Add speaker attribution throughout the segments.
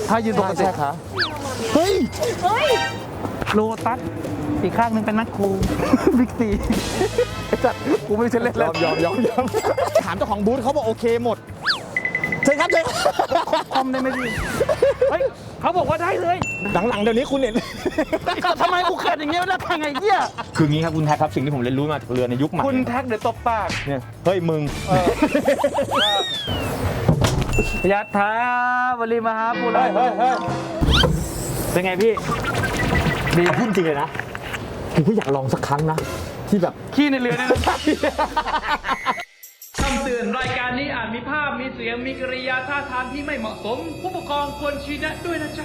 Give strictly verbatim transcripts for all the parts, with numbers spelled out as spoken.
Speaker 1: ถ้ายืนปกติขาเฮ้ยเฮ้ยโลตัสอีกข้างหนึ่งเป็นนักครูบิ๊กซีไอ้จัดกูไม่ใช่เล่นแล้วยอมยอมยอมถามเจ้าของบูธเขาบอกโอเคหมดใช่ครับใช่คอมได้ไหมพี่เฮ้ยเขาบอกว่าได้เลยหลังๆเดี๋ยวนี้คุณเห็นทำไมกูเขินอย่างเงี้ยแล้วทางไงเงี้ยคืองี้ครับคุณแท็กครับสิ่งที่ผมเรียนรู้มาจากเรือในยุคใหม่คุณแท็กเดี๋ยวตบปากเนี่ยเฮ้ยมึงยัตถาวลีมหาปุราเฮ้ยเฮ้ยเป็นไงพี่ดีพูดจริงเลยนะผมก็อยากลองสักครั้งนะที่แบบขี้ในเรือเนี่ยนะ
Speaker 2: คำเตือนรายการนี้อาจมีภาพมีเสียงมีกริยาท่าทางที่ไม่เหมาะสมผู้ปกครองควรชี้แนะด้วยนะจ๊ะ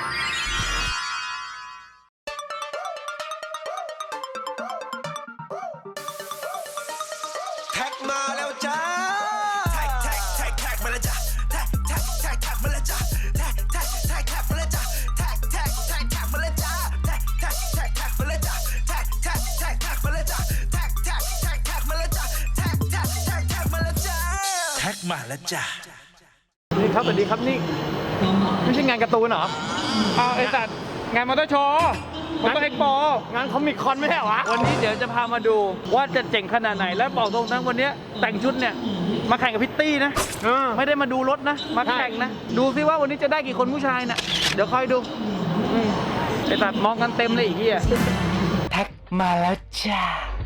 Speaker 3: แท็กมาแล้วจ้าแท็กแท็กแท็กแท็กมาแล้วจ้าแท็กแท็กแท็กแท็กมาแล้วจ้าแท็กแท็กแท็กแท็กมาแล้วจ้าแท็กแท็กแท็กแท็กมาแล้วจ้าแท็กแท็กแท็กแท็กมาแล้วจ้าแท็กแท็กแท็กแท็กมาแล้วจ้าแท็กแท็กแท็กแท็กมาแล้วจ้าแท็กแท็กแท็กแท็กมาแล้วจ้าแท็กมาแล้วจ้า
Speaker 1: นี่ครับสวัสดีครับนี่ไม่ใช่งานการ์ตูนเหรออ้าวไอ้สัตว์งานมอเตอร์โชว์มอเตอร์เอ็กซ์โปงานคอมิคคอนไม่ใช่เหรอวะวันนี้เดี๋ยวจะพามาดูว่าจะเจ๋งขนาดไหนและบอกตรงทั้งวันนี้แต่งชุดเนี่ยมาแข่งกับพิตตี้นะไม่ได้มาดูรถนะมาแข่งนะดูซิว่าวันนี้จะได้กี่คนผู้ชายน่ะเดี๋ยวคอยดูไอ้สัตว์มองกันเต็มเลยอีกทีอ่ะแท็กมาแล้วจ้า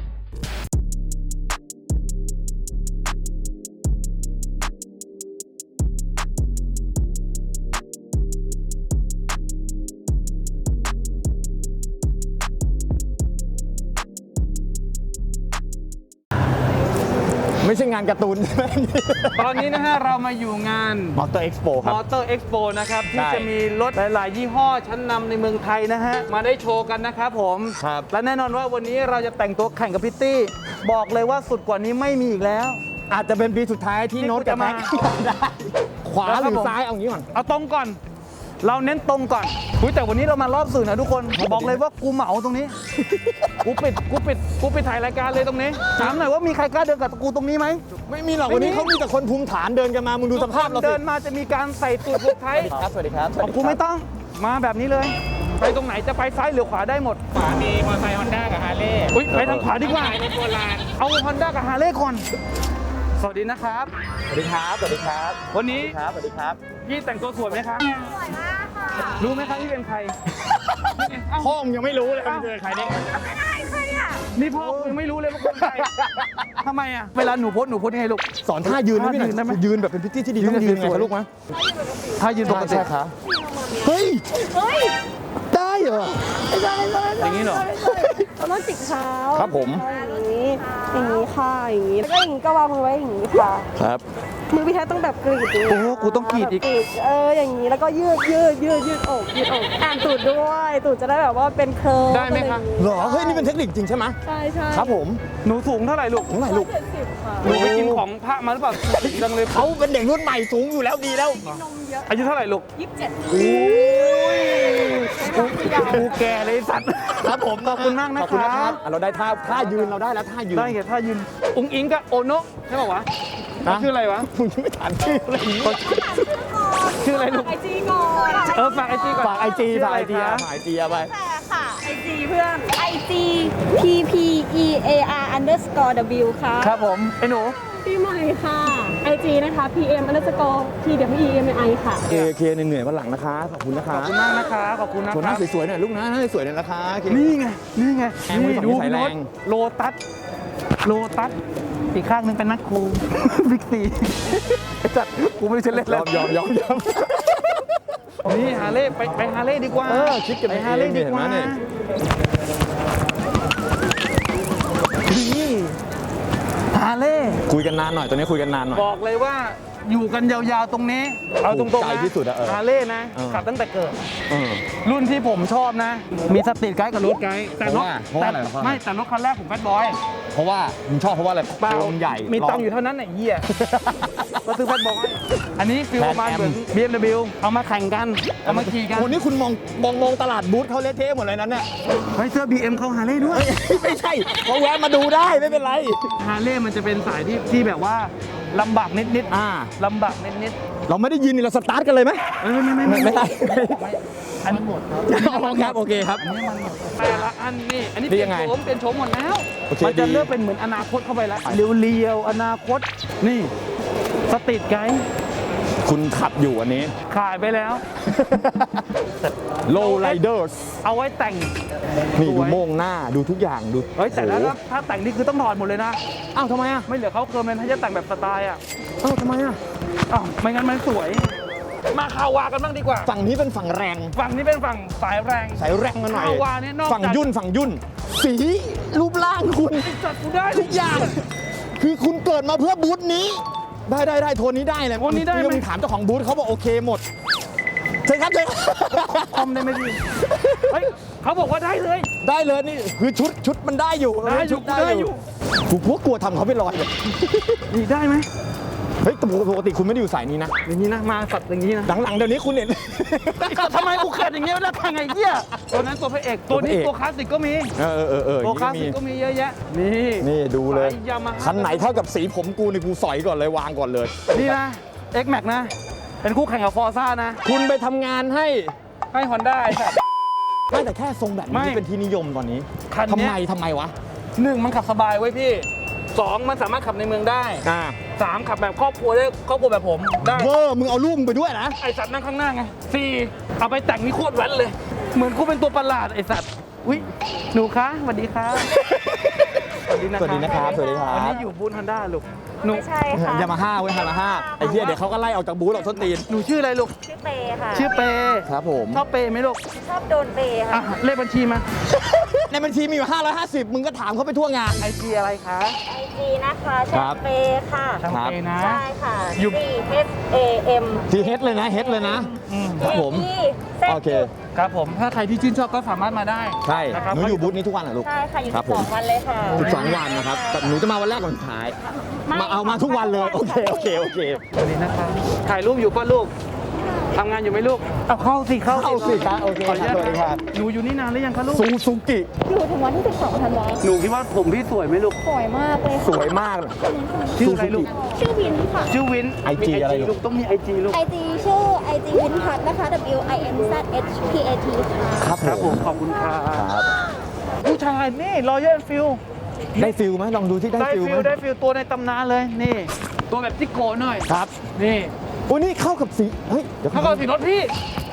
Speaker 1: ไม่ใช่งานการ์ตูนใช่ไหมตอนนี้นะฮะเรามาอยู่งาน Motor Expo ครับ Motor Expo นะครับที่จะมีรถหลายๆยี่ห้อชั้นนำในเมืองไทยนะฮะมาได้โชว์กันนะครับผมครับและแน่นอนว่าวันนี้เราจะแต่งตัวแข่งกับพิตตี้บอกเลยว่าสุดกว่านี้ไม่มีอีกแล้วอาจจะเป็นปีสุดท้ายที่โน้ตจะมาได้ขวาหรือซ้ายเอางี้ก่อนเอาตรงก่อนเราเน้นตรงก่อนแต่วันนี้เรามารอบสื่อนะทุกคนบอกเลยว่ากูเหมาตรงนี้กูปิดกูปิดกูปิดถ่ายรายการเลยตรงนี้ถามหน่อยว่ามีใครกล้าเดินกับกูตรงนี้ไหมไม่มีหรอกวันนี้เขามีแต่คนภูมิฐานเดินกันมามึงดูสภาพเราเดินมาจะมีการใส่ตูดผูกไทยครับสวัสดีครับของกูไม่ต้องมาแบบนี้เลยไปตรงไหนจะไปซ้ายหรือขวาได้หมดขวามีมอเตอร์ไซค์ฮอนด้ากับฮาร์เลย์ไปทางขวาดีกว่าในโบราณเอาฮอนด้ากับฮาร์เลย์ก่อนสวัสดีนะครับสวัสดีครับสวัสดีครับวันนี้ครับสวัสดีครับพี่แต่งตัวสวยไหมครับสวยมากค่ะรู้ไหมครับที่เป็นใครพ่อมึงยังไม่รู้เลยว่าเป็นใครเนี่ยไม่ได้ใครอ่ะนี่พ่อยังไม่รู้เลยว่าเป็นใครทำไมอ่ะเวลาหนูโพสหนูโพสยังไงลูกสอนท่ายืนได้ไหมได้ไหมยืนแบบเป็นพิตตี้ที่ดีต้องยืนไงคะลูกมั้ยท่ายืนปกติค่ะเฮ้ยเฮ้ยได้เหรอได้ได้อย่างนี้เหรอ
Speaker 4: เราต้องจิกเท้า
Speaker 1: ครับผม
Speaker 4: อย่างนี้อย่างนี้ค่ะอย่างนี้แล้วก็อย่างนี้ก็วางมือไว้อย่างนี้ค่ะ
Speaker 1: ครับ
Speaker 4: มือพี่แท้ต้องแบบกรีดโ
Speaker 1: อ้กูต้องกรีดอีก
Speaker 4: เอออย่างนี้แล้วก็ยืดยืดยืดยืดอกยืดอกอ่านตูดด้วยตูดจะได้แบบว่าเป็นเคิร์ฟ
Speaker 1: ได้ไหมคะหรอเฮ้ยนี่เป็นเทคนิคจริงใช่ไหม
Speaker 4: ใช่ใช่
Speaker 1: ครับผมหนูสูงเท่าไหร่ลูกเท่าไหร่ลูก
Speaker 4: เจ็ดสิบค่ะ
Speaker 1: หนูไปกินของพระมาหรือเปล่าจังเลยเขาเป็นเด็กรุ่นใหม่สูงอยู่แล้วดีแล้ว
Speaker 4: นมเยอะ
Speaker 1: อายุเท่าไหร่ลูก
Speaker 4: ยี่สิบเจ็ด
Speaker 1: โอ้ยกูแก่เลยสัตว์ครับผมขอบคุณมากนะครับเราได้ท่าท่ายืนเราได้แล้วท่ายืนได้ไงท่ายืนอุ้งอิงกับโอโนะใช่ป่าววะชื่ออะไรวะมึงยังไม่ถามชื่ออะไรชื่ออะไรลูก
Speaker 4: ไอจีก่อน
Speaker 1: เออฝากไอจีก่อนฝากไอจีฝากไอจีฝากไอจีเอาไป
Speaker 4: แต่ค่ะไอจีเพื่อนไอจี p p e a r underscore w ค่ะ
Speaker 1: ครับผมไอหนู
Speaker 4: พี่ใหม่ค่ะไอจีนะคะ pm underscore t w e m i ค่ะ
Speaker 1: เคเคเหนื่อยๆวันหลังนะคะขอบคุณนะคะขอบคุณมากนะคะขอบคุณนะขอหน้าสวยๆหน่อยลูกนะหน้าสวยๆหน่อยนะคะนี่ไงนี่ไงนี่ดูรถโลตัสโลตัสอีกข้างหนึ่งเป็นนักครูบิ๊กซีไอ้จัดกูไม่ใช่เล่นแล้วยอมยอมยอมนี่ฮาเล่ไปไปฮาเล่ดีกว่าเออคิดกันไปฮาเล่ดีกว่านี่ฮาเล่คุยกันนานหน่อยตอนนี้คุยกันนานหน่อยบอกเลยว่าอยู่กันยาวๆตรงนี้เอาตรงๆนะที่สุดอะฮาเล่นะขับตั้งแต่เกิดรุ่นที่ผมชอบนะมีสตรีทไกด์กับรถไกด์แต่รถแต่ไม่แต่รถคันแรกผมแบดบอยเพราะว่าผมชอบเพราะว่าอะไรเปล่าใหญ่มีตังค์อยู่เท่านั้นไอ้เหี้ยก็ซื้อแบดบอยอันนี้ฟิลประมาณเหมือน บี เอ็ม ดับเบิลยู เอามาแข่งกันเอามาขี่กันโอ้นี่คุณมองมองมองตลาดบูธเขาเละเทะหมดเลยนั้นเนี่ยเฮ้ยเสื้อ บี เอ็ม เขาฮาเล่ด้วยไม่ใช่เขาแวะมาดูได้ไม่เป็นไรฮาเล่มันจะเป็นสายที่ที่แบบว่าลำบากนิดนิด
Speaker 5: อ่า
Speaker 1: ลำบากนิดนิด
Speaker 5: เราไม่ได้ยินนี่เราสตาร์ทกันเลยไหม
Speaker 1: ไม่ไม่ไม่ไม่
Speaker 5: ไม่ได้
Speaker 1: อันหมดครับ
Speaker 5: ครับโอเคครับ
Speaker 1: แต่ละอันนี่อันนี้
Speaker 5: นี่
Speaker 1: เปลี่ย
Speaker 5: ยั
Speaker 1: น
Speaker 5: งไง
Speaker 1: โฉมเปลี่ยนโฉมหมดแล้ว
Speaker 5: โอเค
Speaker 1: มันจะ
Speaker 5: ดี
Speaker 1: เริ่มเป็นเหมือนอนาคตเข้าไปแล้วเรียวๆอนาคตนี่สตรีทไกด์
Speaker 5: คุณขับอยู่อันนี้
Speaker 1: ขายไปแล้ว
Speaker 5: Low Riders
Speaker 1: เอาไว้แต่ง
Speaker 5: นี่
Speaker 1: ส
Speaker 5: ดู
Speaker 1: วย
Speaker 5: โม่งหน้าดูทุกอย่างดู
Speaker 1: เฮ้ยแต่แล้ว
Speaker 5: โอ้
Speaker 1: นะถ้าแต่งนี่คือต้องถอดหมดเลยนะ
Speaker 5: อ้าวทำไมอ่ะ
Speaker 1: ไม่เหลือเขาเคิร์มเลยถ้าจะแต่งแบบสไตล์อ่ะ
Speaker 5: อ้าวทำไมอ่ะ
Speaker 1: อ้าวไม่งั้นมันสวย มาคาวากันบ้างดีกว่า
Speaker 5: ฝั่งนี้เป็นฝั่งแรง
Speaker 1: ฝั่งนี้เป็นฝั่งสายแรง
Speaker 5: สายแรงกันหน่อย
Speaker 1: คาวาเนี่ยนอกจาก
Speaker 5: ฝั่งยุ่นฝั่งยุ่น สีรูปร่างคุณ
Speaker 1: จัดกูได้
Speaker 5: ทุกอย่าง คือคุณเกิดมาเพื่อบูธนี้ ได้ได้ได้โทนนี้ได้เลย
Speaker 1: โทนนี้ได้ไหม
Speaker 5: เรื่องถามเจ้าของบูธเขาบอกโอเคหมดใช่ครับใช่ครับ
Speaker 1: คอมได้ไหมพี่เฮ้ยเขาบอกว่าได้เลย
Speaker 5: ได้เลยนี่คือชุดชุดมันได้อยู่
Speaker 1: ได้อยู่
Speaker 5: ชุ
Speaker 1: ได้อยู่
Speaker 5: กูกลัวกลัวทำเขาไปลอยเลย
Speaker 1: นี่ได้ไหม
Speaker 5: เฮ้ยแต่ปกติคุณไม่ได้อยู่สายนี้นะ
Speaker 1: อย่างนี้นะมาสัตว์อย่างนี้นะ
Speaker 5: หลังๆเดี๋ยวนี้คุณเห็น
Speaker 1: ก็ทำไมกูเขินอย่างเงี้ยแล้วทางไงเงี้ยตัวนั้นตัวพระเอกตัวนี้
Speaker 5: ตัวพระเอก
Speaker 1: ตัวคลาสสิกก็มี
Speaker 5: เออเออเออเออ
Speaker 1: ตัวคลาส
Speaker 5: อย่าง
Speaker 1: สิ
Speaker 5: นี้
Speaker 1: ก
Speaker 5: ก็
Speaker 1: ก็
Speaker 5: มี
Speaker 1: มีเยอะแยะนี่
Speaker 5: นี่ดูเลย
Speaker 1: สาย Yamaha
Speaker 5: คันไหนเท่ากับสีผมกูนี่กูสอยก่อนเลยวางก่อนเลย
Speaker 1: นี่นะ X Max นะ เป็นคู่แข่งกับ Forza นะ
Speaker 5: คุณไปทำงานให้
Speaker 1: ให้ Honda ไอ้สัตว์
Speaker 5: ไม่แต่แค่ทรงแบบ
Speaker 1: ไม่
Speaker 5: นี้เป็นที่นิยมตอนนี้
Speaker 1: คัน
Speaker 5: ทำ
Speaker 1: เนี้
Speaker 5: ไม
Speaker 1: ย
Speaker 5: ทำไมวะ
Speaker 1: หนึ่งมันขับสบายไว้ยพี่สองมันสามารถขับในเมืองได้
Speaker 5: อ่า
Speaker 1: สามขับแบบครอบครัวได้ครอบครัวแบบผมได้
Speaker 5: เวอร์มึงเอาลูกมึงไปด้วยนะ
Speaker 1: ไอสัตว์นั่งข้างหน้าไงสี่เอาไปแต่งนี่โคตรแว้นเลย เหมือนกูเป็นตัวประหลาดไอสัตว์อุ้ยหนูคะสวัสดีครับ
Speaker 5: สวัสดีนะครับ สวัสดีครั
Speaker 1: วันนี้
Speaker 5: บ
Speaker 1: อยู่บูธฮอนด้าลูกหนู
Speaker 4: ไม่ใช่ค่ะ
Speaker 5: ยามาฮ่าเว้ยยามาฮ่าไอ้เหี้ยเดี๋ยวเขาก็ไล่ออกจากบูธหรอกส้นตีน
Speaker 1: หนูชื่ออะไรลูก
Speaker 4: ชื่อเปย์ค่ะ
Speaker 1: ชื่อเปย์
Speaker 5: ครับผม
Speaker 1: ชอบเปย์ไหมลูก
Speaker 4: ชอบโดนเปย์
Speaker 1: อ่ะ
Speaker 4: ค่ะ
Speaker 1: เลขบัญชีมา
Speaker 5: ในบัญชีมีอยู่ห้าร้อยห้าสิบมึงก็ถามเขาไปทั่วงาน
Speaker 1: ไอจีอะไรคะ
Speaker 4: ไอจีนะคะ
Speaker 5: ครั
Speaker 4: ชื่
Speaker 5: บ
Speaker 4: อเปย์ค่ะ
Speaker 1: ช่างเปย์นะ
Speaker 4: ใช่ค่ะ
Speaker 1: อยู่
Speaker 4: C H A M
Speaker 5: ทีเฮดเลยนะเฮดเลยนะ
Speaker 1: อืม
Speaker 5: ครับผม
Speaker 4: E Z
Speaker 5: โอเค
Speaker 1: ครับผมถ้าใครที่ชื่นชอบก็สามารถมาได้
Speaker 5: ใช่
Speaker 1: นะครับ
Speaker 5: หนูอยู่บูธนี้ทุกวันเหรอลูก
Speaker 4: ใช่ค่ะ อยู่
Speaker 5: ครับ
Speaker 4: สิบ
Speaker 5: ผ
Speaker 4: ส
Speaker 5: ม
Speaker 4: องวันเลยค่ะ
Speaker 5: สิบสองวันนะครับแต่หนูจะมาวันแรกวันสุดท้าย มาเอามาทุกวันเลย โอเค โอเค โอเค
Speaker 1: สวัสดีนะครับถ่ายรูปอยู่ป่ะลูกทำงานอยู่ไหมลูกเอาเข้าสิเข้า
Speaker 5: เข้าสิครับโอเค
Speaker 1: ขออนุญาต
Speaker 5: สวัสดีครับ
Speaker 1: หนูอยู่นี่นานหรือยังคะลูก
Speaker 5: ซูซูกิ
Speaker 4: อยู่ถึงวันที่สิบสองธันวาคม
Speaker 1: หนูคิดว่าผมพี่สวยไหมลูก
Speaker 4: สวยมากเลย
Speaker 5: ส
Speaker 4: ค่ะ
Speaker 5: วยมากเลย
Speaker 1: ชื่ออะไรลูก
Speaker 4: ชื่อวินค่ะ
Speaker 1: ชื่อวิน
Speaker 5: ไอจี
Speaker 1: มี
Speaker 5: อะไรลูก
Speaker 1: ลูกต้องมีไอจีลูก
Speaker 4: ไอจีชื่อไอจีวินพัทนะคะ W I N Z H P A T ค่ะ
Speaker 5: ครับ
Speaker 1: ครับ
Speaker 5: ผ
Speaker 1: ผม มขอบคุณครับ
Speaker 5: ครับ
Speaker 1: ผู้ชายนี่รอยัลฟิล
Speaker 5: ได้ฟิลไหมลองดูที่ได้
Speaker 1: ได้
Speaker 5: ฟิลไห
Speaker 1: ฟิ
Speaker 5: ม
Speaker 1: ลได้ฟิลตัวในตำนานเลยนี่ ตัวแบบจิโก้หน่อย
Speaker 5: ครับ
Speaker 1: นี่
Speaker 5: โอ้นี่เข้ากับสี เฮ้ย เดี๋ยว
Speaker 1: ถ้าก็สีรถพี่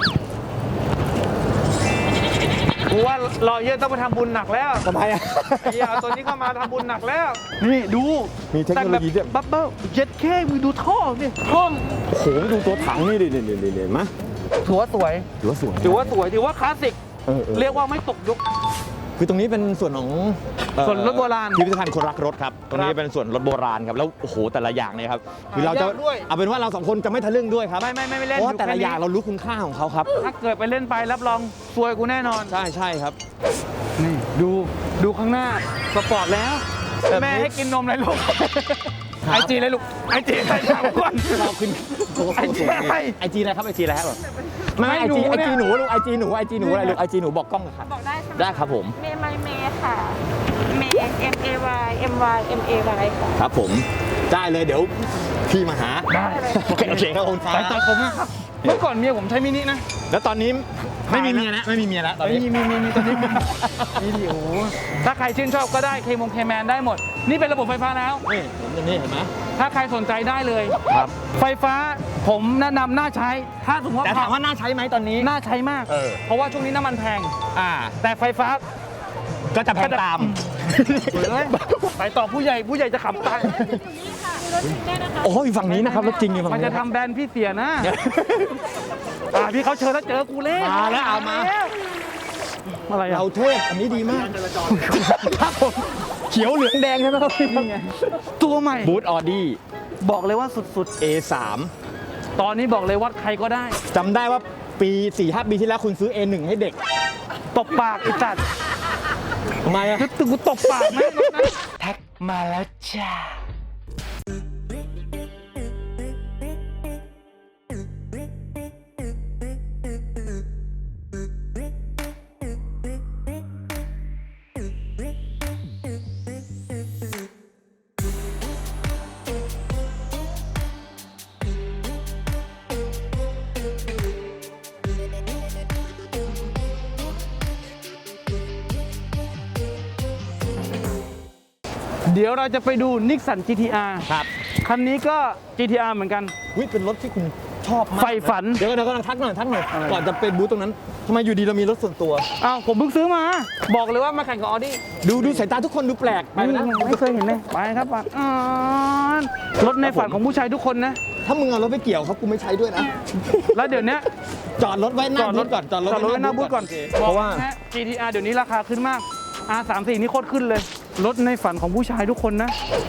Speaker 1: กูว่ารอเยอะต้องไปทำบุญหนักแล้ว
Speaker 5: ทำไมอ่ะ
Speaker 1: ไอ้เหี้ยเอาตัวนี้เข้ามาทำบุญหนักแล้ว นี่ดู
Speaker 5: มีเทคโนโลยีด้วย
Speaker 1: บับเบิ้ลเจ็ดเคมึงดูท่อนี่ท่อ
Speaker 5: โอ้โหดูตัวถังนี่ดิดิดิดิดิมะ
Speaker 1: ถือว่าสวย
Speaker 5: ถือว่าสวย
Speaker 1: ถือว่าสวยถือว่าคลาสสิก
Speaker 5: เออเออ
Speaker 1: เรียกว่าไม่ตกยุค
Speaker 5: คือตรงนี้เป็นส่วนของเอ่อ
Speaker 1: ส่วนรถโบราณ
Speaker 5: พิพิธภัณฑ์คนรักรถครับ ตรงนี้เป็นส่วนรถโบราณครับ แล้วโอ้โหแต่ละอย่างเนี่ยครับ คือเราจะ
Speaker 1: หายากด้วย
Speaker 5: เอาเป็นว่าเราสองคนจะไม่ทะลึ่งด้วยครับ
Speaker 1: ไม่ไม่ไม่ไม่เล่น
Speaker 5: เพราะว่า
Speaker 1: อยู่
Speaker 5: แต่ละ
Speaker 1: ค่นี้
Speaker 5: อย่างเรารู้คุณค่าของเขาครับ
Speaker 1: ถ้าเกิดไปเล่นไปรับรองซวยกูแน่นอน
Speaker 5: ใช่ใช่ครับ
Speaker 1: นี่ดูดูข้างหน้าสปอร์ตแล้ว
Speaker 5: แบบนี้
Speaker 1: แม่ให้กินนมเลยลูก
Speaker 5: ครับ
Speaker 1: ไอจีเลยลูกไอจีใครถามก่อน
Speaker 5: เราขึ้นโอ้โห
Speaker 1: ไอจีอะไร
Speaker 5: ไอจีอะไรครับไอจีอะไรครับไม่
Speaker 1: ไม่
Speaker 5: ไอจี
Speaker 1: หนู
Speaker 5: ไอ
Speaker 1: เนี่ย
Speaker 5: จีหนูลูกไอจีหนูไอจีหนูอะไรลูกไอจีหนูบอกกล้องหน่อยครับ
Speaker 4: บอกได้ใช่ไหม
Speaker 5: ได้ครับผม
Speaker 4: เมย์ไมเมย์ค่ะ เมย์ M A Y M Y M A Y ค่ะ
Speaker 5: ครับผมได้เลยเดี๋ยวพี่มาหา
Speaker 1: ได้
Speaker 5: โอเคโอเคครับคุณฟ้า
Speaker 1: สายตาคมนะครับ เมื่อก่อนเมียผมใช้มินินะ
Speaker 5: แล้วตอนนี้ไม่มีเมียแล้วไม่มีเมียแล้วตอน
Speaker 1: มี
Speaker 5: นี้
Speaker 1: มีมีมีตอนนี้มีมีดิโอ้โหถ้าใครชื่นชอบก็ได้เคมงเคแมนได้หมด นี่เป็นระบบไฟฟ้าแล้ว
Speaker 5: นี่ผมจะนี่เห็นไหม
Speaker 1: ถ้าใครสนใจได้เลย
Speaker 5: ครับ
Speaker 1: ไฟฟ้าผมแนะนำน่าใช้ ถ้าสมมติว่า
Speaker 5: แต่ถามว่าน่าใช้ไหมตอนนี้
Speaker 1: น่าใช้มาก
Speaker 5: เออ
Speaker 1: เพราะว่าช่วงนี้น้ำมันแพง
Speaker 5: อ่า
Speaker 1: แต่ไฟฟ้า
Speaker 5: ก็จะแพงตาม
Speaker 1: เฮ้ยไปต่อผู้ใหญ่ผู้ใหญ่จะขับตาย
Speaker 5: โอ้ยฝั่งนี้นะครับรถจริงอยู่ฝั่ง
Speaker 1: มัน
Speaker 5: นี้
Speaker 1: จะทำแบรนด์พี่เสียนะอ่าพี่เขาเชิญแล้วเจอกูเล่
Speaker 5: มาแล้วเอามา
Speaker 1: อะไรอะ
Speaker 5: เราเทพอันนี้ดีมากครับผมเขียวเหลืองแดงใช่ไหมครับ
Speaker 1: นี่ไงตัวใหม่
Speaker 5: บูธออดี้
Speaker 1: บอกเลยว่าสุด
Speaker 5: เอสาม
Speaker 1: ๆ ตอนนี้บอกเลยวัดใครก็ได้
Speaker 5: จำได้ว่าปีสี่ห้าปีที่แล้วคุณซื้อ เอ หนึ่ง ให้เด็ก
Speaker 1: ตบปากไอ้จัด
Speaker 5: ทำไมอะ
Speaker 1: นึกถึงกูตบปากไหมรถนั้นแท็กมาแล้วจ้าเดี๋ยวเราจะไปดูนิสสัน จี ที อาร์
Speaker 5: ครับ
Speaker 1: คันนี้ก็ จี ที อาร์ เหมือนกัน
Speaker 5: วิเป็นรถที่คุณชอบมาก
Speaker 1: ใฝ่ฝัน
Speaker 5: เดี๋ยวเดี๋ยวกำลังทักหน่อยทักหน่อยก่อนจะไปบูธตรงนั้นทำไมอยู่ดีเรามีรถส่วนตัว
Speaker 1: อ้าวผมเพิ่งซื้อมา บอกเลยว่ามาแข่งกับออดี้
Speaker 5: ดูดูสายตาทุกคนดูแปลกไปนะ
Speaker 1: ไม่เคยเห็นเลยไปครับไปอ่านรถในฝันของผู้ชายทุกคนนะ
Speaker 5: ถ้ามึงเอารถไปเกี่ยวเขากูไม่ใช้ด้วยนะ
Speaker 1: แล้วเดี๋ยวนี้
Speaker 5: จอดรถไว้หน้าบูธก่อนจอดรถ
Speaker 1: จอดรถไว้หน้าบูธก่อน
Speaker 5: โเค
Speaker 1: เพ
Speaker 5: เพ
Speaker 1: ราะ
Speaker 5: ราะ
Speaker 1: ว่า
Speaker 5: ว่า
Speaker 1: จี ที อาร์ เดี๋ยวนี้ราคาขึ้นมาก อาร์ สามสิบสี่ นี่โคตรขึ้นเลย รถในฝันของผู้ชายทุกคนนะ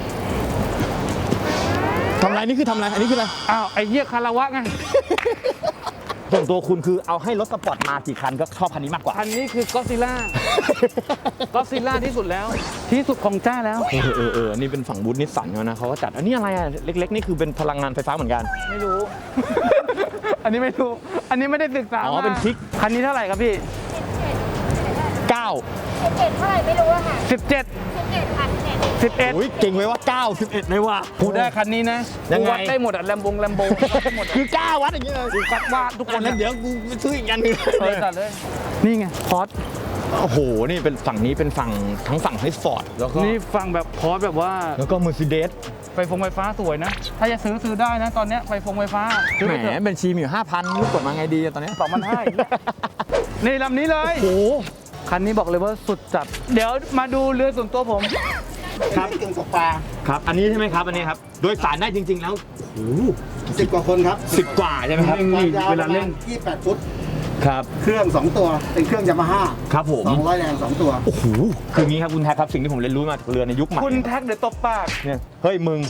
Speaker 5: ทำอะไรนี่คือทำอะไรอันนี้คืออะไร
Speaker 1: อ้าวไอ้เหี้ยคาราวะไง
Speaker 5: ส่วนตัวคุณคือเอาให้รถสปอร์ตมากี่คันก็ชอบคันนี้มากกว่า
Speaker 1: คันนี้คือก็ซิล่า ก็ซิล่าที่สุดแล้ว ที่สุดของจ้าแล้ว
Speaker 5: เออเออเออนี่เป็นฝั่งบูธนิสสันเขานะเขาก็จัดอันนี้อะไรอ่ะเล็กๆนี่คือเป็นพลังงานไฟฟ้าเหมือนกัน
Speaker 1: ไม่รู้ อันนี้ไม่รู้ อันนี้ไม่ได้ศึกษา
Speaker 5: อ๋อ
Speaker 1: มา
Speaker 5: เป็นพริก
Speaker 1: คันนี้เท่าไหร่ครับพี่
Speaker 5: เก้า
Speaker 4: สิบเอ็ดเท่าไหร่ไม่รู้อะค่ะ
Speaker 1: สิบเจ็ด
Speaker 4: สิบเอ็ดค่ะสิบเอ็ด
Speaker 1: สิบเอ็ด
Speaker 5: โอ้ยเก่งไว้ว่าเก้า สิบเอ็ดเลยว่ะ
Speaker 1: กูได้คันนี้นะ
Speaker 5: ยังไง
Speaker 1: กูวัดได้หมดอะแลมบงแลมโบหมดอะ
Speaker 5: คือเก้าวัดอย่างเงี้ยเลย
Speaker 1: กูคัดวาดทุกคน
Speaker 5: นั้นเดี๋ยวกูไปซื้ออีกอันหนึง
Speaker 1: เออจัดเลย นี่ไงพอร์ต
Speaker 5: โอ้โหนี่เป็นฝั่งนี้เป็นฝั่งทั้งฝั่งให้ฟอร์ดแล้วก็
Speaker 1: นี่ฟังแบบพอร์ตแบบว่า
Speaker 5: แล้วก็เมอร์ซิเดส
Speaker 1: ไฟฟงไฟฟ้าสวยนะ ถ้าจะซื้อซื้อได้นะ ตอนเนี้ยไฟฟงไฟฟ้าซื้อ
Speaker 5: แหม
Speaker 1: ไปเถอะ
Speaker 5: บัญชีมีอยู่ห้าพันรู้กดมาไงดีอะตอนเนี้ย
Speaker 1: สองพันห้านี่ลำนี้เลย
Speaker 5: โอ้โห
Speaker 1: คันนี้บอกเลยว่าสุดจัด เดี๋ยวมาดูเรือส่วนตัวผม
Speaker 5: ครับเก่งสปาครับอันนี้ใช่ไหมครับอันนี้ครับโดยสารได้จริง ๆ แล้วโอ้โห
Speaker 6: สิบกว่าคนครับ
Speaker 5: สิบกว่าใช่ไหมครับ
Speaker 1: นี่
Speaker 6: ความยาว
Speaker 1: เวลาเล่น
Speaker 6: ยี่สิบแปดฟุต
Speaker 5: ครับ
Speaker 6: เครื่อง สอง ตัว เป็นเครื่องยามาฮ่า
Speaker 5: ครับผม
Speaker 6: สองร้อยแรงสองตัว
Speaker 5: โอ้โหคืออย่างนี้ครับคุณแท็กครับสิ่งที่ผมเรียนรู้มาจากเรือในยุคใหม่
Speaker 1: คุณแท็กเดี๋ยวตบปาก
Speaker 5: เนี่ยเฮ้ยมึง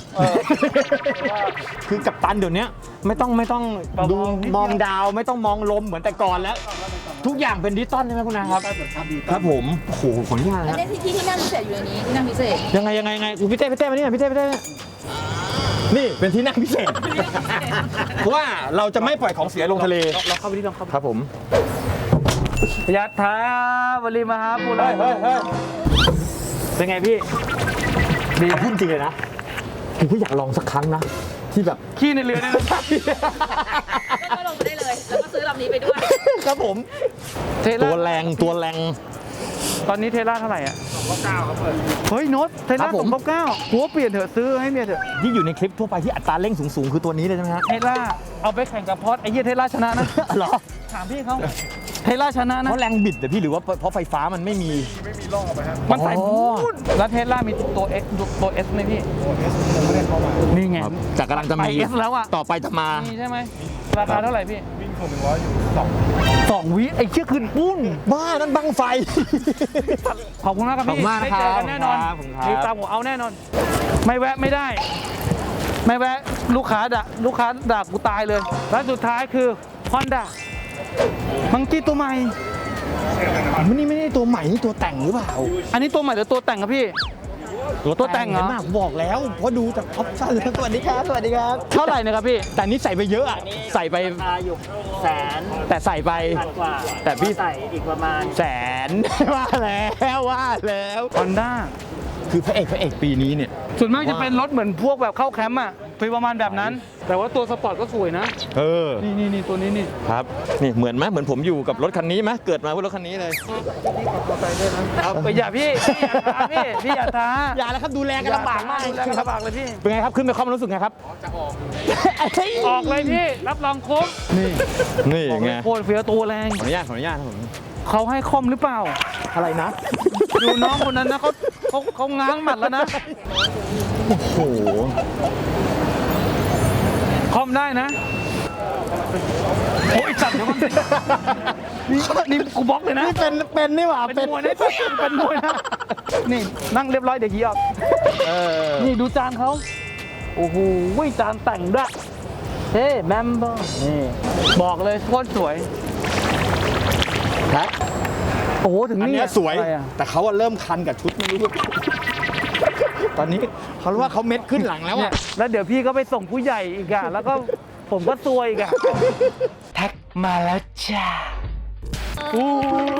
Speaker 5: คือกัปตันเดี๋ยวนี้ไม่ต้องไม่ต้อง
Speaker 1: เบาๆ
Speaker 5: ดู
Speaker 1: นิดเดียว
Speaker 5: มองดาวไม่ต้องมองลมเหมือนแต่ก่อนแล้ว ทุกอย่างเป็นดิจิตอลใช่ไหมคุณนะครับ ครับผมโอ้โหขออนุญาต
Speaker 4: อัน
Speaker 5: นะ
Speaker 4: นี้ที่ที่ที่นั่งพิเศษอยู่ในนี้ที่นั่งพิเศษ
Speaker 5: ยังไงยังไงยังไงอุ๊ยพี่เต้พี่เต้มาเนี่ยพี่เต้พี่เต้นี่เป็นที่นั่งพิเศษเพราะว่าเราจะไม่ปล่อยของเสียลงทะเล
Speaker 1: เราเข้าไปที่ลองเข้าไป
Speaker 5: ครับผม
Speaker 1: ยัตถาวลีมหาปุรา
Speaker 5: เฮ้ยเฮ้ยเฮ้ย
Speaker 1: เป็นไงพี่ ดี
Speaker 5: พูดจริงเลยนะผมก็อยากลองสักครั้งนะที่แบบ
Speaker 1: ขี้ในเรือเนี่ยนะ
Speaker 4: ก็ลงไปได้เลย แล้วก็ซื้อลำนี้ไปด้วย
Speaker 5: ครับผม
Speaker 1: เทส
Speaker 5: ตัว
Speaker 1: ลา
Speaker 5: แรงตัวแรง
Speaker 1: ตอนนี้เทสลาเท่าไหร่อ่ะสองเก้าครับเปิดเฮ้ยโน้ตเทส
Speaker 5: ครั
Speaker 1: ลา
Speaker 5: บผ
Speaker 1: ส
Speaker 5: ม
Speaker 1: องเก้าหัวเปลี่ยนเถอะซื้อให้เมียเถอะ
Speaker 5: ที่อยู่ในคลิปทั่วไปที่อัตราเร่งสูงๆคือตัวนี้เลยใช่ไหมฮะ
Speaker 1: เทสลาเอาไปแข่งกับพอร์ตไอ้เหี้ยเทสลาชนะนะ
Speaker 5: เหรอ
Speaker 1: ถามพี่เขาเทสลาชนะนะ
Speaker 5: เพราะแรงบิดแต่พี่หรือว่าเพราะไฟฟ้ามันไม่มี
Speaker 1: มันใส่
Speaker 5: อ๋อ
Speaker 1: บูดแล้วเทสลามีตัว X ตัว S ไหมพี่ นี่ไง
Speaker 5: ครับจากกำลังจะ
Speaker 1: ไป
Speaker 5: มี
Speaker 1: S แล้วอ่ะ
Speaker 5: ต่อไปจะมา
Speaker 1: นี่ใช่ไหมราคาเท่าไหร่พี่วิ่งผมหนึ่งร้อยอยู่สองสองวิไอ้เชี่ยคืนปุ้น
Speaker 5: บ้านั่นบังไฟ
Speaker 1: ขอบคุณมากครับ
Speaker 5: ขอบ
Speaker 1: พี่
Speaker 5: คุณมาก
Speaker 1: ได้
Speaker 5: นะค
Speaker 1: เจ
Speaker 5: รับ
Speaker 1: อกันแน่นอน
Speaker 5: ขอบคุณครับ
Speaker 1: รีบตามผมเอาแน่นอน ไม่แวะไม่ได้ ไม่แวะลูกค้าด่าลูกค้าด่ากูตายเลย แล้วสุดท้ายคือ Honda มังกี้ตัวใหม่
Speaker 5: มันนี่ไม่ได้ตัวใหม่นี่ตัวแต่งหรือเปล่า
Speaker 1: อันนี้ตัวใหม่หรือตัวแต่งครับพี่ ตัวแต่งเหรอ
Speaker 5: เห็นมากบอกแล้วเพราะดูจากออปชั่นแล้วสวัสดีครับสวัสดีครับ
Speaker 1: เท่าไหร่นะครับพี่
Speaker 5: แต่นี่ใส่ไปเยอะอะใส่ไป
Speaker 7: อยู่แสน
Speaker 5: แต่ใส่ไป
Speaker 7: พันกว่า
Speaker 5: แต่พี่
Speaker 7: ใส่อีกประมาณ
Speaker 5: แสน ว่าแล้วว่าแล้ว
Speaker 1: Honda
Speaker 5: คือพระเอกพระเอกปีนี้เนี่ย
Speaker 1: ส่วนมากจะเป็นรถเหมือนพวกแบบเข้าแคมป์อ่ะคือประมาณแบบนั้น แต่ว่าตัวสปอร์ตก็สวยนะ
Speaker 5: เออ
Speaker 1: นี่นี่นี่ตัวนี้นี่
Speaker 5: ครับนี่เหมือนไหมเหมือนผมอยู่กับรถคันนี้ไหมเกิดมาเพื่อรถคันนี้เลย
Speaker 1: เอาไปอย่าพี่พี่อย่าท้าพี่พี่อย่าท้า
Speaker 5: อย่าแล้วครับดูแลกันลำบากมาก
Speaker 1: ดูแลกันลำบากเลยพี่
Speaker 5: เป็นไงครับขึ้นไปความรู้สึกไงครับจะออก
Speaker 1: ออกเลยพี่ รับรองคุ้มนี่
Speaker 5: นี่
Speaker 1: บอก
Speaker 5: ไง
Speaker 1: เลยโคตรเฟี้ยวตัวแรง
Speaker 5: ขออนุญาตขออนุญาตครับผม
Speaker 1: เขาให้คอมหรือเปล่า
Speaker 5: อะไรนะ
Speaker 1: ดูน้องคนนั้นนะเขาเขาเขาง้างหมัดแล้วนะ
Speaker 5: โอ้โห
Speaker 1: คอมได้นะโอ้ยจัดเดี๋ยวมันสินี่นี่กูบล็อกเลยนะ
Speaker 5: นี่เป็นเป็นนี่หว่า
Speaker 1: เป็นมวยนะเป็นมวยนะนี่นั่งเรียบร้อยเดี๋ยวยีออก
Speaker 5: เออ
Speaker 1: นี่ดูจานเขาโอ้โหจานแต่งด้วยเฮ้แมมเบอร์นี่บอกเลยโคตรสวย
Speaker 5: ครับ
Speaker 1: โอ้โหถึง
Speaker 5: อัน
Speaker 1: นี่
Speaker 5: เนี้ยสวย
Speaker 1: อะไรอะ
Speaker 5: แต่เขาอะเริ่มคันกับชุดไม่รู้ ตอนนี้เขารู้ว่าเขาเม็ดขึ้นหลังแล้ว
Speaker 1: เนี่ย
Speaker 5: อะ
Speaker 1: แล้วเดี๋ยวพี่ก็ไปส่งผู้ใหญ่อีกอะแล้วก็ผมก็ซวยอีกอะแท็กมาแล้วจ้าอู้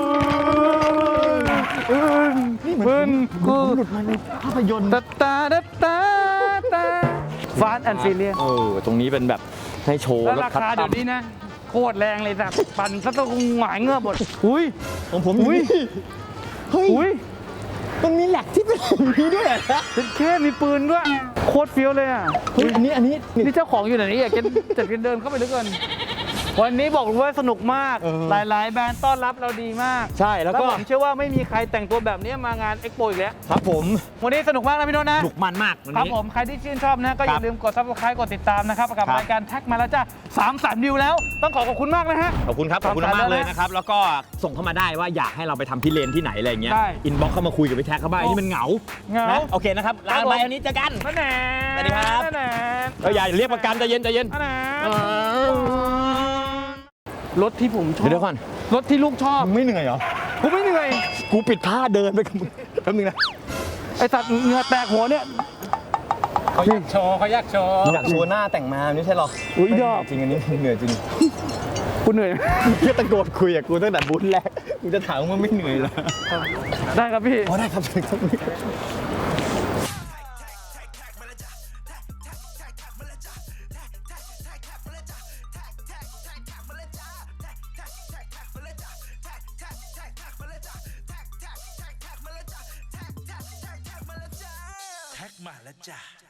Speaker 1: ปืนกู
Speaker 5: หลุดมาในภาพยนตร์
Speaker 1: ตาตาตาตาตาฟาสแอนด์ฟิเลีย
Speaker 5: เออตรงนี้เป็นแบบให้โชว์
Speaker 1: แล้ว
Speaker 5: รถ
Speaker 1: รา
Speaker 5: คัส
Speaker 1: คา
Speaker 5: ตอ
Speaker 1: เดี๋ย
Speaker 5: ม
Speaker 1: วนี้นะ โคตรแรงเลยสักปั่นซะต้องหงายเงือบหมดอุ้ย
Speaker 5: ของผม
Speaker 1: อุ๊ย
Speaker 5: เฮ้ย
Speaker 1: อุ้ย
Speaker 5: มันมีแหลกที่เป็นอย่างนี้ด้วยเหรอ
Speaker 1: เป็นแค่มีปืนด้วยโคตรเฟี้ยวเลยอ่ะ
Speaker 5: เฮ้ยอันนี้อันนี้นี่
Speaker 1: นี่เจ้าของอยู่ไหนนี่อยากจะจัดกันเดินเข้าไปด้วยกันวันนี้บอกเลยว่าสนุกมาก
Speaker 5: เออ
Speaker 1: หลาย ๆ แบรนด์ต้อนรับเราดีมาก
Speaker 5: ใช่แล้วก็
Speaker 1: ผมเชื่อว่าไม่มีใครแต่งตัวแบบนี้มางานเอ็กโปอีกแล้ว
Speaker 5: ครับผม
Speaker 1: วันนี้สนุกมากนะพี่โน้ตนะ
Speaker 5: หนุกมันมากวัน
Speaker 1: ครับ
Speaker 5: นี้
Speaker 1: ผมใครที่ชื่นชอบนะก็อย่า
Speaker 5: ครับ
Speaker 1: ลืมกด ซับสไครบ์ กดติดตามนะครับกับ
Speaker 5: ครับ
Speaker 1: รายการแท็กมาแล้วจ้าสามแสนวิวแล้วต้องขอขอบคุณมากนะฮะ
Speaker 5: ขอบคุณครับขอบคุณ
Speaker 1: ขอบคุณ
Speaker 5: มากเลย
Speaker 1: นะ
Speaker 5: นะครับแล้วก็ส่งเข้ามาได้ว่าอยากให้เราไปทำพิเรนที่ไหนอะไรอย่างเงี้ย
Speaker 1: ได้
Speaker 5: อินบ็อกเข้ามาคุยกับพี่แท็กเขาบ้าง
Speaker 1: โอ้
Speaker 5: นี่มันเหงา
Speaker 1: เหงา
Speaker 5: นะโอเคนะครับลาไปวันนี้เจอกัน
Speaker 1: นั่นแหละ
Speaker 5: สวัสดีครับ
Speaker 1: นั่นแหละ
Speaker 5: เอออย่าเรียกประกันใจเย็นใจเย็น
Speaker 1: นั่นแหละ
Speaker 5: เออ
Speaker 1: รถที่ผมชอบ
Speaker 5: เดี๋ยวก่อน
Speaker 1: รถที่ลูกชอบ
Speaker 5: มึงไม่เหนื่อยเหรอ
Speaker 1: กูไม่เหนื่อย
Speaker 5: กูปิดผ้าเดินไปกับมึงแป๊บนึงนะ
Speaker 1: ไอสัตว์เหงื่อแตกหัวเนี่ย
Speaker 7: เขาอยากโชว์เขาอยากโชว์
Speaker 5: อยากโชว์หน้าแต่งมาไม่ใช่หรอ
Speaker 1: อุ๊ยดอก
Speaker 5: จริงอันนี้เหนื่อยจริง
Speaker 1: กูเหนื่อย
Speaker 5: เพื่อตะโกนคุยกับกูตั้งแต่บูธแรกกูจะถามว่าไม่เหนื่อยเหรอ
Speaker 1: ได้ครับพี่
Speaker 5: อ๋อได้ครับถึงตรงนี้
Speaker 3: แท็กมาแล้วจ้ะ